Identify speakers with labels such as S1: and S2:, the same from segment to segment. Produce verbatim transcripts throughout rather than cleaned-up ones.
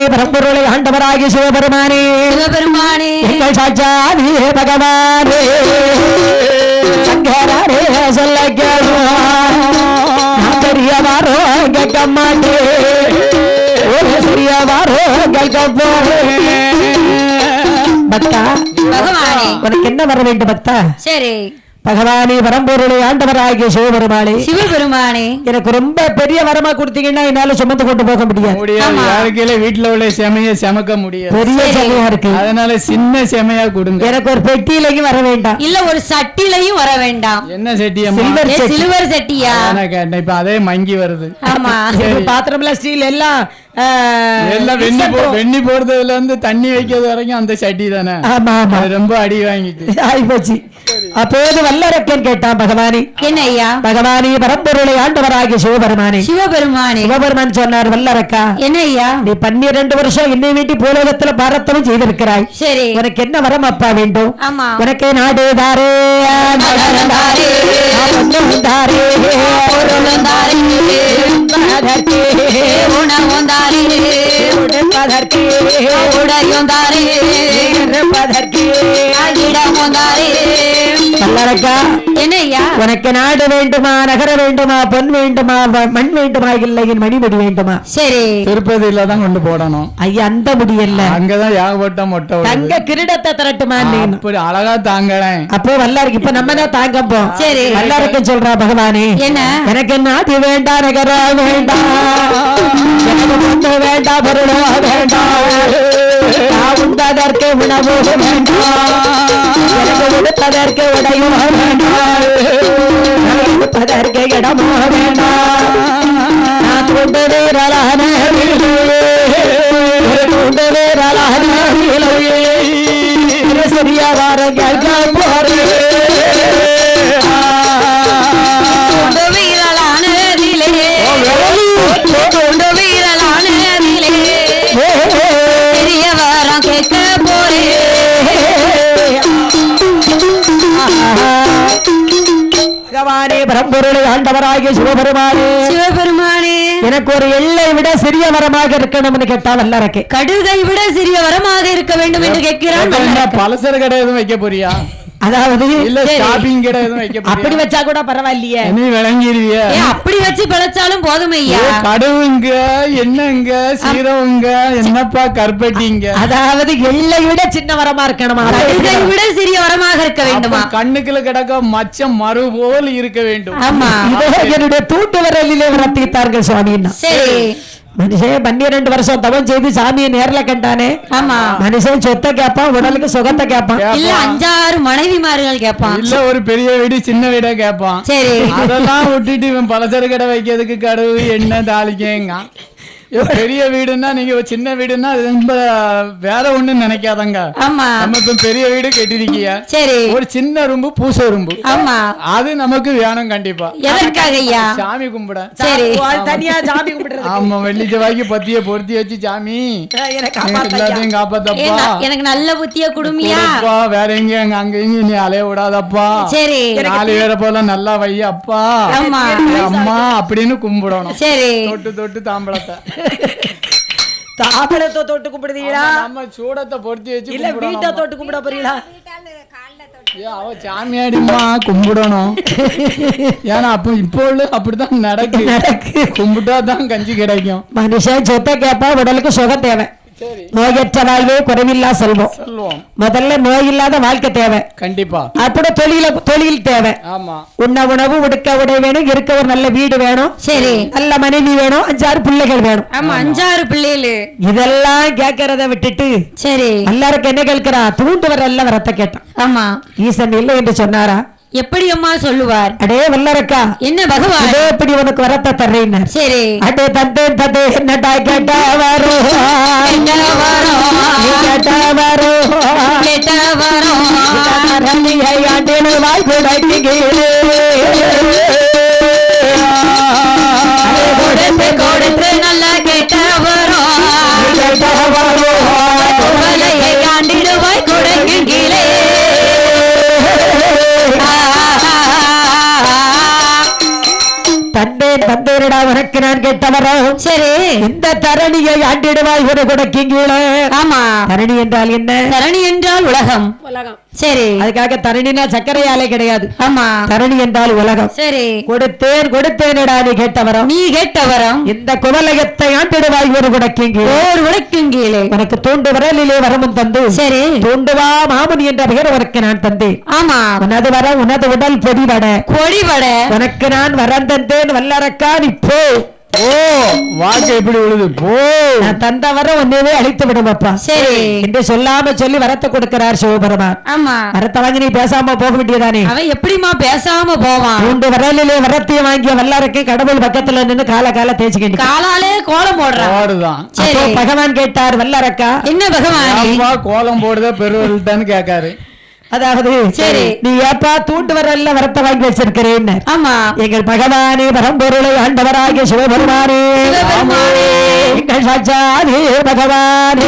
S1: பரம்பொருளை ஆண்டவராகி சிவபெருமானே
S2: சிவபெருமானே
S1: எங்கள் சாட்சாதி பகவானே சங்கரே சொல்ல கேள்வாரோ கேட்க மாட்டே ஒரு சிறியவாரோ கேட்க போறே பக்தா
S2: பகவானே
S1: உனக்கு என்ன வர வேண்டும் பக்தா
S2: சரி
S1: பகவானே பரம்பொருளை ஆண்டவராகிய சிவபெருமானே
S2: சிவபெருமானே
S1: எனக்கு ரொம்ப பெரிய வரமா கொடுத்தீங்கன்னா என்னால சுமந்து கொண்டு போக முடியாது
S3: யாருக்கையில வீட்டுல உள்ள செமைய செமக்க முடியாது
S1: பெரிய செமையா இருக்கு
S3: அதனால சின்ன செமையா கொடுங்க
S1: எனக்கு ஒரு பெட்டியிலையும் வர வேண்டாம்
S2: இல்ல ஒரு சட்டிலையும் வர வேண்டாம்
S3: என்ன செட்டியா
S2: சில்வர் சட்டியா
S3: கேட்டேன் இப்ப அதே மங்கி வருது
S2: ஆமா
S1: பாத்திரம்ல ஸ்டீல் எல்லாம்
S3: எல்லாம் வெண்ணி வெண்ணி போடுறதுல இருந்து தண்ணி வைக்கிறது வரைக்கும் அந்த சட்டி தானே
S1: ஆமா ஆமா
S3: ரொம்ப அடி வாங்கிட்டு
S1: ஆகி போச்சு அப்போது வல்லரக்கன் கேட்டான் பகவானே
S2: என்ன ஐயா
S1: பகவானே பரம்பொருளை ஆண்டவராகிய சிவபெருமானே
S2: சிவபெருமானே
S1: சிவபெருமான் சொன்னார் வல்லரக்கா
S2: என்ன ஐயா
S1: நீ பன்னிரண்டு வருஷம் என்னை வீட்டி பூலோகத்துல பாரத்தமும் செய்திருக்கிறாய்
S2: சரி
S1: உனக்கு என்ன வரம் அப்பா வேண்டும்
S2: ஆமா
S1: உனக்கு நாடு தாரே தாரே உனக்கு நாடு வேண்டுமா நகர வேண்டுமா பொன் வேண்டுமா மண் வேண்டுமா இல்லை மணிமடி வேண்டுமா
S2: சரி
S3: திருப்பதியில தான் கொண்டு போடணும்
S1: ஐயா அந்த முடியல
S3: அங்கதான் ஏகப்பட்ட மொட்டை
S1: தங்க கிரீடத்தை திரட்டுமா
S3: அப்படி அழகா தாங்கறேன்
S1: அப்போ வல்லாருக்கு இப்ப நம்ம தான் தாங்கப்போம்
S2: சரி
S1: வல்லாருக்கு சொல்றா பகவானே
S2: என்ன
S1: எனக்கு நாடு வேண்டாம் நகர வேண்டாம் எனக்கு பொண்ணு வேண்டாம் பொருளோ வேண்டாம் உண்டதற்கு உணவு வேண்டாம் எனக்கு உடுப்பதற்கு உடையும் வேண்டாம் உடுப்பதற்கு இடமோ வேண்டாம் நான் கொண்டு வீரலான கொண்டு வீரலான சிறிய வாரம் கேட்க போறேன் பகவானே பரம்பொருளை ஆண்டவராகிய சிவபெருமானே
S2: சிவபெருமானே
S1: எனக்கு ஒரு எல்லை விட சிறிய வரமாக இருக்கணும்னு கேட்டா வல்லரக்கே
S2: கடுகை விட சிறிய வரமாக இருக்க வேண்டும் என்று கேட்கிறான்
S3: பலசர கடை எதுவும் வைக்க போறியா
S1: அதாவது
S3: இல்ல ஷாப்பிங் கடை எதுவும் வைக்க போறியா
S1: அப்படி வச்சா கூட பரவாயில்லையே
S3: நீ விளங்கிடுவிய
S2: அப்படி வச்சு பிழைச்சாலும் போதும் ஐயா
S3: கடவுங்க என்னங்க சீரவங்க என்னப்பா கற்பட்டிங்க
S1: அதாவது எல்லை விட சின்ன வரமா இருக்கணுமா
S2: கடுகை விட சிறிய வரமாக இருக்க வேண்டுமா
S3: கண்ணுக்குள்ள கிடக்க மச்சம் மறு போல் இருக்க வேண்டும்
S2: ஆமா
S1: என்னுடைய தூட்டு விரலிலே வளர்த்தித்தார்கள் சுவாமின்னா
S2: சரி
S1: மனுஷன் பன்னிரண்டு வருஷம் தவம் செய்து சாமியை நேர்ல கண்டானே
S2: ஆமா
S1: மனுஷன் சொத்தை கேட்பான் உடலுக்கு சுகத்தை கேட்பான்
S2: இல்ல அஞ்சாறு மனைவிமார்கள் கேட்பான்
S3: இல்ல ஒரு பெரிய வீடு சின்ன வீடா கேட்பான்
S2: சரி
S3: அதெல்லாம் விட்டுட்டு இவன் பலசர கடை வைக்கிறதுக்கு கடவு என்ன தாளிக்கங்க பெரிய வீடுன்னா நீங்க சின்ன வீடுன்னா ரொம்ப வேற ஒண்ணு நினைக்காதங்க
S2: ஆமா
S3: நம்ம இப்ப பெரிய வீடு கட்டிருக்கிய
S2: சரி
S3: ஒரு சின்ன ரூம்பு பூச ரூம்பு
S2: ஆமா
S3: அது நமக்கு வேணும் கண்டிப்பா
S2: எதற்காக ஐயா
S3: சாமி கும்பிட
S2: சரி
S1: தனியா சாமி கும்பிடுறது
S3: ஆமா வெள்ளி செவ்வாய்க்கு பத்திய பொருத்தி வச்சு சாமி எல்லாத்தையும் காப்பாத்தப்பா
S2: எனக்கு நல்ல புத்திய குடுமியா
S3: வேற எங்க அங்க இங்க நீ அலைய விடாதப்பா
S2: சரி
S3: நாலு பேரை போல நல்லா வையப்பா அம்மா அப்படின்னு கும்பிடணும்
S2: சரி
S3: தொட்டு தொட்டு தாம்பளத்தை
S1: தாம்பளத்தை தொட்டு கும்பிடுதீங்களா
S3: நம்ம சூடத்தை பொருத்தி வச்சு
S1: இல்ல வீட்டை தொட்டு கும்பிட போறீங்களா
S3: அவ சாமியாடிமா கும்பிடணும் ஏன்னா அப்ப இப்போ அப்படிதான் நடக்கு கும்பிட்டா தான் கஞ்சி கிடைக்கும்
S1: மனுஷன் சொத்தை கேப்பா உடலுக்கு சுகம் தேவை நோயற்ற வாழ்வே குறைவில்லா செல்வம் முதல்ல நோய் இல்லாத வாழ்க்கை தேவை
S3: கண்டிப்பா
S1: அப்படி தொழில தொழில் தேவை
S3: ஆமா
S1: உண்ண உணவு உடுக்க உடை வேணும் இருக்க ஒரு நல்ல வீடு வேணும்
S2: சரி
S1: நல்ல மனைவி வேணும் அஞ்சாறு பிள்ளைகள் வேணும்
S2: ஆமா அஞ்சாறு பிள்ளைகள்
S1: இதெல்லாம் கேட்கறத விட்டுட்டு
S2: சரி
S1: எல்லாருக்கும் என்ன கேட்கிறா தூண்டு வர எல்லாம் வரத்த கேட்டான்
S2: ஆமா
S1: ஈசன் இல்லை என்று சொன்னாரா
S2: எப்படி அம்மா சொல்லுவார்
S1: அடே வல்லரக்கா
S2: என்ன பகவான்
S1: இதே எப்படி உனக்கு வரத்த தர்றேன்
S2: சரி
S1: அடே தந்தே தந்தே என்னடா கேட்டா வரும் கேட்டா வரும்
S2: கேட்டா வரும்
S1: ஆண்டினு வாய் கொடுத்து
S2: கொடுத்து நல்லா கேட்டா வரும் கேட்டா வரும் ஆண்டிடுவாய் கொடுக்கும் கீழே தந்தேன் தந்தேனடா உனக்கு நான் கேட்டவரோ சரி இந்த தரணியை ஆண்டு
S1: தாண்டிடுவாய் ஒரு குடைக்கு கீழே.
S2: ஆமா,
S1: தரணி என்றால் என்ன?
S2: தரணி என்றால் உலகம்.
S1: உலகம்.
S2: சரி,
S1: அதுக்காக தரணினா சர்க்கரை ஆலை கிடையாது.
S2: ஆமா,
S1: தரணி என்றால் உலகம்.
S2: சரி,
S1: கொடுத்தேன் கொடுத்தேனடா நீ கேட்டவரம்.
S2: நீ கேட்டவரம்
S1: இந்த குவலகத்தை ஆண்டிடுவாய் ஒரு குடைக்கு கீழே.
S2: ஓர் உடைக்கும் கீழே.
S1: உனக்கு தூண்டு வரலிலே வரமும் தந்து,
S2: சரி,
S1: தூண்டுவா மாமன் என்ற பெயர் உனக்கு நான் தந்தேன்.
S2: ஆமா,
S1: உனது வர உனது உடல் பொடிவட
S2: கொடிவட
S1: உனக்கு நான் வரம் தந்தேன் வல்லரக்கா நீ போ.
S3: ஓ வாக்கு எப்படி விழுது போ.
S1: நான் தந்த வரம் உன்னையே அழித்து விடுமப்பா.
S2: சரி
S1: என்று சொல்லாம சொல்லி வரத்தை கொடுக்கிறார் சிவபெருமான்.
S2: ஆமா,
S1: வரத்தை வாங்கி நீ பேசாம போக வேண்டியதானே.
S2: அவன் எப்படிமா பேசாம போவான்?
S1: மூன்று வரலிலே வரத்தையும் வாங்கிய வல்லாருக்கு கடவுள் பக்கத்துல நின்று கால கால தேய்ச்சிக்கிட்டு
S2: காலாலே கோலம் போடுறான்.
S3: போடுதான்.
S2: சரி,
S1: பகவான் கேட்டார் வல்லரக்கா
S2: என்ன பகவான்
S3: அப்பா கோலம் போடுத பெருவல்தான்னு கேட்காரு.
S1: அதாவது
S2: சரி,
S1: நீ ஏப்பா தூண்டு வரல வரத்தை வாங்கி வச்சிருக்கிறேன்.
S2: ஆமா,
S1: எங்கள் பகவானே பரம்பொருளை ஆண்டவராகிய சிவபெருமானே,
S2: சிவபெருமானே,
S1: எங்கள் சாட்சாதே பகவானே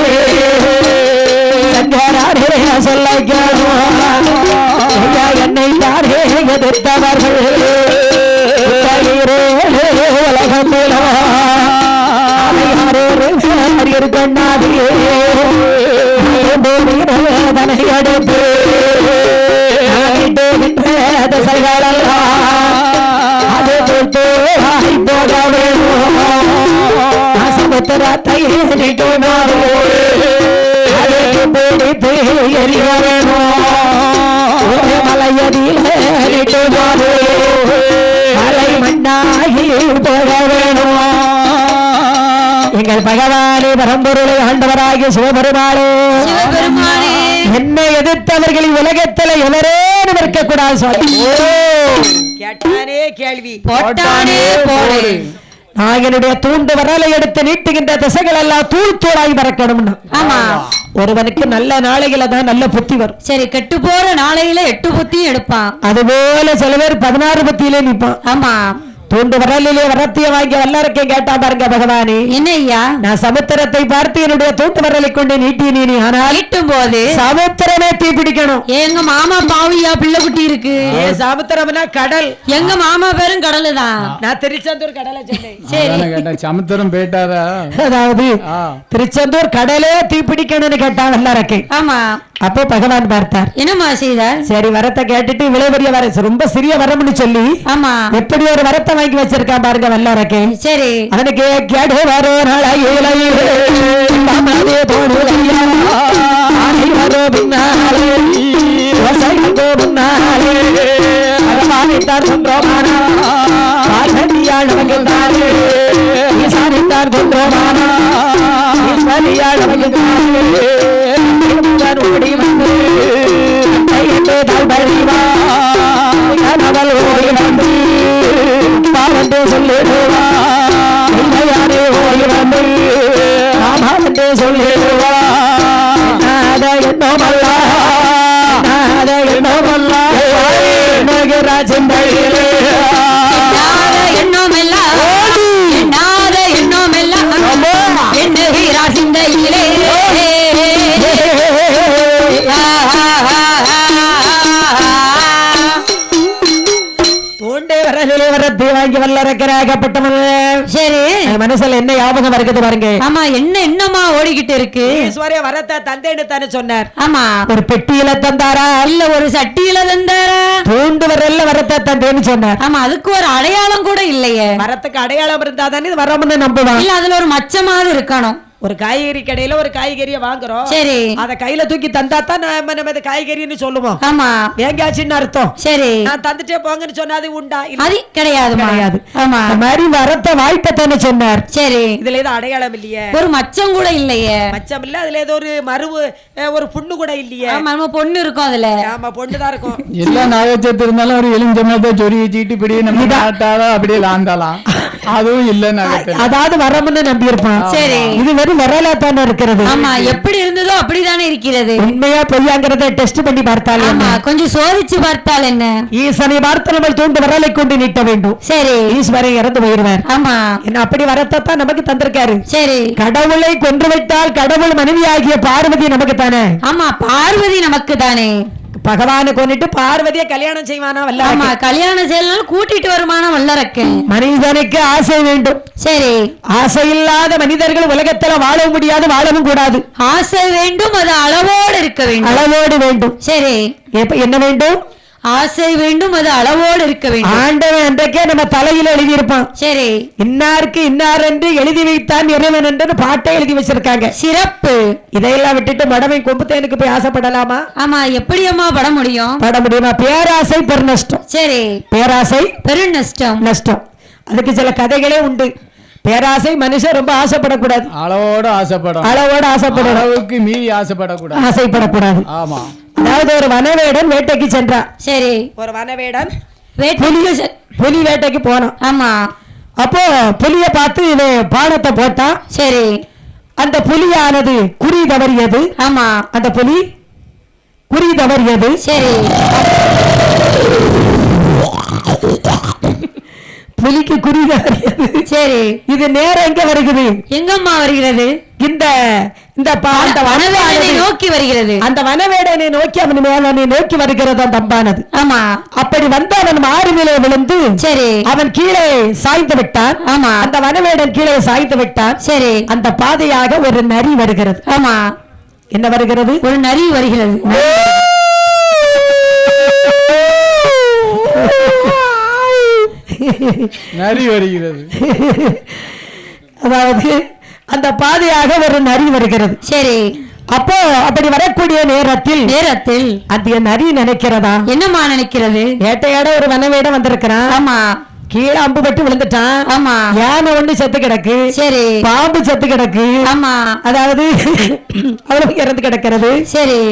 S1: சங்கராரே சொல்ல என்னை யாரே எதிர்த்தவர்கள் உலகம் கண்ணாடியே எடுத்து அது போக வேணும் சமுத்திரத்தை பிடித்து எறிய வேணும் மலையடியில் மலை மண்ணாகி போக வேணும். எங்கள் பகவானே பரம்பொருளை ஆண்டவராகிய சிவபெருமானே,
S2: சிவபெருமானே,
S1: என்னை எதிர்த்தவர்கள் உலகத்தில் எவரேனும் இருக்கக்கூடாது சுவாமி. கேட்டானே கேள்வி
S2: போட்டானே போடு.
S1: நான் என்னுடைய தூண்டு வரலை எடுத்து நீட்டுகின்ற திசைகள் எல்லாம் தூள் தூளாகி பறக்கணும்.
S2: ஆமா,
S1: ஒருவனுக்கு நல்ல நாளைகள தான் நல்ல புத்தி வரும்.
S2: சரி, கெட்டு போற நாளையில எட்டு புத்தியும் எடுப்பான்.
S1: அதுபோல சில பேர் பதினாறு புத்தியிலே நிற்பான்.
S2: ஆமா,
S1: தூண்டு வரலிலே வரத்திய வாங்கி வல்லரக்கை கேட்டா பாருங்க பகவானே,
S2: என்ன ஐயா,
S1: நான் சமுத்திரத்தை பார்த்து என்னுடைய தூண்டு வரலை கொண்டு நீட்டி நீ ஆனால்
S2: ஈட்டும் போது
S1: சமுத்திரமே தீ பிடிக்கணும்.
S2: எங்க மாமா பாவியா பிள்ளை குட்டி இருக்கு.
S1: ஏ சமுத்திரம்னா கடல்.
S2: எங்க மாமா பேரும் கடலு தான்.
S1: நான் திருச்செந்தூர் கடலை சொன்னேன்.
S2: சரி,
S3: கேட்டேன் சமுத்திரம் போயிட்டாரா.
S1: அதாவது திருச்செந்தூர் கடலே தீ பிடிக்கணும்னு கேட்டா வல்லரக்கை.
S2: ஆமா,
S1: அப்போ பகவான் பார்த்தார்.
S2: என்னமா செய்தார்?
S1: சரி வரத்தை கேட்டுட்டு இவ்வளவு பெரிய வர ரொம்ப சிறிய வரம்னு சொல்லி
S2: ஆமா,
S1: எப்படி ஒரு வரத்தை வாங்கி வச்சிருக்கான் பாருங்க வல்லரக்கை.
S2: சரி,
S1: அவனுக்கு கேடு வரோ நாளையிலே தமதே தோடுலையா ஆடி வரோ பின்னாலே வசைகோ பின்னாலே அரவானித்தார் கொன்றோமானா பார்வதியாள் வகித்தாரே ஈசானித்தார் கொன்றோமானா ஈஸ்வரியாள் வகித்தாரே ஓடி வந்து பழிவா கனவல் ஓடி வந்து பாவந்தே சொல்லிடுவா யாரே ஓடி வந்து ராமாவந்தே சொல்லிடுவா என்னோமல்ல என்னோமல்ல ராஜம்பழியிலே
S2: எண்ணமெல்லாம் எண்ணாத எண்ணமெல்லாம் எண்ணுகிறா சிந்தையிலே.
S1: தூண்டே வரலே வரத்தை வாங்கி வல்லரக்கராகப்பட்டவன். சரி, மனசுல என்ன ஞாபகம் இருக்குது பாருங்க.
S2: ஆமா, என்ன என்னமா ஓடிக்கிட்டு இருக்கு?
S1: ஈஸ்வரிய வரத்தை தந்தேன்னு தானே சொன்னார்.
S2: ஆமா,
S1: ஒரு பெட்டியில தந்தாரா
S2: இல்ல ஒரு சட்டியில தந்தாரா?
S1: தூண்டு வரல வரத்தை தந்தேன்னு சொன்னார்.
S2: ஆமா, அதுக்கு ஒரு அடையாளம் கூட இல்லையே.
S1: வரத்துக்கு அடையாளம் இருந்தா தானே இது வரம்னு நம்புவான்.
S2: இல்ல அதுல ஒரு மச்சமாவது இருக்கணும்.
S1: ஒரு காய்கறி கடையில ஒரு காய்கறியை வாங்குறோம்.
S2: சரி,
S1: அத கையில தூக்கி தந்தா தான் நம்ம நம்ம காய்கறின்னு சொல்லுவோம்.
S2: ஆமா,
S1: வேங்காச்சின்னு அர்த்தம்.
S2: சரி,
S1: நான் தந்துட்டே போங்கன்னு சொன்னா அது உண்டா?
S2: அது கிடையாது
S1: கிடையாது.
S2: ஆமா,
S1: அந்த மாதிரி வரத்தை வாய்ப்பத்தானே சொன்னார்.
S2: சரி,
S1: இதுல ஏதோ அடையாளம் இல்லையே,
S2: ஒரு மச்சம் கூட இல்லையே.
S1: மச்சம் இல்ல, அதுல ஏதோ ஒரு மருவு ஒரு புண்ணு கூட இல்லையே.
S2: ஆமா, நம்ம பொண்ணு இருக்கும் அதுல.
S1: ஆமா, பொண்ணுதான் இருக்கும்.
S3: எல்லா நாகச்சத்து இருந்தாலும் ஒரு எலுமிச்சம்பழத்தை சொறி வச்சுக்கிட்டு இப்படி நம்ம நாட்டாலும் அப்படியே லாந்தாலாம். அதுவும் இல்ல நகத்துல.
S1: அதாவது வரம்னு நம்பி இருப்பான்.
S2: சரி,
S1: இது வெறும் வரலா தானே இருக்கிறது.
S2: ஆமா, எப்படி இருந்ததோ அப்படிதானே இருக்கிறது.
S1: உண்மையா பொய்யாங்கிறத டெஸ்ட் பண்ணி பார்த்தால்
S2: ஆமா, கொஞ்சம் சோதிச்சு பார்த்தால் என்ன?
S1: ஈசனை பார்த்து நம்ம தூண்டு வரலை கொண்டு நீட்ட வேண்டும்.
S2: சரி,
S1: ஈஸ்வரன் இறந்து போயிருவார்.
S2: ஆமா,
S1: என்ன அப்படி வரத்தான் நமக்கு தந்திருக்காரு.
S2: சரி,
S1: கடவுளை கொன்று விட்டால் கடவுள் மனைவியாகிய பார்வதி நமக்கு தானே.
S2: ஆமா, பார்வதி நமக்கு தானே.
S1: பகவானை கொண்டுட்டு பார்வதியை கல்யாணம் செய்வானா
S2: ஆமா
S1: வல்ல
S2: கல்யாணம் செய்யலாம் கூட்டிட்டு வருமான வல்லரக்கன்.
S1: மனிதனுக்கு ஆசை வேண்டும்.
S2: சரி
S1: ஆசை இல்லாத மனிதர்கள் உலகத்துல வாழவும் முடியாது, வாழவும் கூடாது.
S2: ஆசை வேண்டும், அது அளவோடு இருக்க வேண்டும்.
S1: அளவோடு வேண்டும்.
S2: சரி
S1: எப்ப என்ன வேண்டும்?
S2: ஆசை வேண்டும், அது அளவோடு இருக்க வேண்டும்.
S1: ஆண்டவன் அன்றைக்கே நம்ம தலையில எழுதி இருப்பான்.
S2: சரி
S1: இன்னாருக்கு இன்னார் என்று எழுதி வைத்தான் இறைவன் என்று பாட்டை எழுதி வச்சிருக்காங்க.
S2: சிறப்பு.
S1: இதையெல்லாம் விட்டுட்டு மடமை கொம்புத்தேனுக்கு போய் ஆசைப்படலாமா?
S2: ஆமா எப்படி அம்மா பட முடியும்?
S1: பட முடியுமா? பேராசை பெருநஷ்டம்.
S2: சரி
S1: பேராசை
S2: பெரு நஷ்டம்.
S1: நஷ்டம். அதுக்கு சில கதைகளே உண்டு. பேராசை மனுஷன் ரொம்ப ஆசைப்படக்கூடாது,
S3: அளவோட ஆசைப்படும்,
S1: அளவோட ஆசைப்படும்,
S3: அளவுக்கு மீறி ஆசைப்படக்கூடாது,
S1: ஆசைப்படக்கூடாது.
S3: ஆமா.
S1: அதாவது ஒரு வனவேடன் வேட்டைக்கு சென்றான்.
S2: சரி
S1: ஒரு வனவேடன்
S2: வேட்டை-
S1: புலி புலி வேட்டைக்கு போனான்.
S2: ஆமா
S1: அப்போ புலிய பார்த்து இவன் பானத்தை போட்டான்.
S2: சரி
S1: அந்த புலியானது குறி தவறியது.
S2: ஆமா
S1: அந்த புலி குறி தவறியது.
S2: சரி
S1: புலிக்கு குறி தவறியது.
S2: சரி
S1: இது நேரம் எங்க வருகிறது?
S2: எங்கம்மா வருகிறது?
S1: இந்த இந்த பா- அந்த
S2: வனவேடனை
S1: வனவேடனை
S2: நோக்கி வருகிறது.
S1: அந்த வனவேடனை நோக்கி அவன் மேலனை நோக்கி வருகிறது அந்த அம்பானது.
S2: ஆமா
S1: அப்படி வந்து அவன் மாறுநிலை விழுந்து
S2: சரி
S1: அவன் கீழே சாய்ந்து விட்டான்.
S2: ஆமா
S1: அந்த வனவேடன் கீழே சாய்ந்து விட்டான்.
S2: சரி
S1: அந்த பாதையாக ஒரு நரி வருகிறது.
S2: ஆமா
S1: என்ன வருகிறது?
S2: ஒரு நரி வருகிறது.
S3: நரி வருகிறது.
S1: அதாவது அந்த பாதையாக ஒரு நரி வருகிறது.
S2: சரி
S1: அப்போ அப்படி வரக்கூடிய நேரத்தில்
S2: நேரத்தில்
S1: அந்த நரி நினைக்கிறதா,
S2: என்னம்மா நினைக்கிறது?
S1: வேட்டையாட ஒரு வனவேடம் வந்திருக்கிறான்.
S2: ஆமா
S1: கீழே அம்பு பட்டு விழுந்துட்டான்.
S2: ஆமா
S1: யானை ஒண்ணு செத்து கிடக்கு,
S2: சரி
S1: பாம்பு செத்து கிடக்கு,
S2: ஆமா
S1: அதாவது அவ்வளவு இறந்து கிடக்கிறது.
S2: சரி